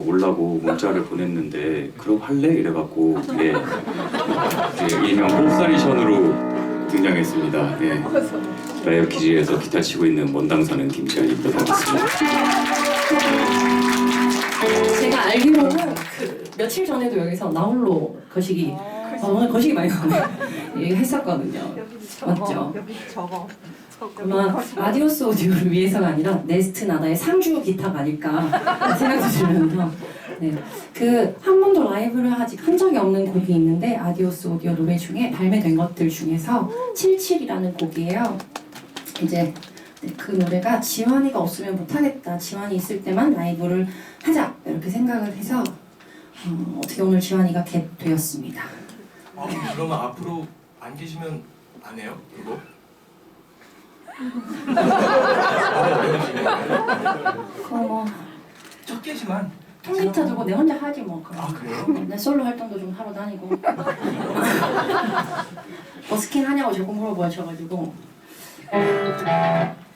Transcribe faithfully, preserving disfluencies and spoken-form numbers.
오려고 문자를 보냈는데 그럼 할래? 이래갖고 예, 예, 일명 홉사리션으로 등장했습니다. 예. 라이브 기지에서 기타 치고 있는 원당사는 김지한입니다. 반갑습니다. 제가 알기로는 그 며칠 전에도 여기서 나홀로 거시기 아, 오늘 거시기 많이 나오네요. 얘기했었거든요. 맞죠? 여기 저거. 아마 아디오스 오디오를 위해서가 아니라 네스트 나다의 상주 기타가 아닐까 생각도 들면서 네. 그 한 번도 라이브를 아직 한 적이 없는 곡이 있는데 아디오스 오디오 노래 중에 발매된 것들 중에서 칠칠이라는 곡이에요. 이제 네, 그 노래가 지환이가 없으면 못하겠다. 지환이 있을 때만 라이브를 하자 이렇게 생각을 해서 어, 어떻게 오늘 지환이가 겟 되었습니다. 아, 그러면 앞으로 안 계시면 안 해요? 그거? 그거 뭐 첫 개지만. 통기타 들고 내 혼자 하지 뭐. 아, 그래요? 내 솔로 활동도 좀 하러 다니고 버스킹 하냐고 자꾸 물어보셔가지고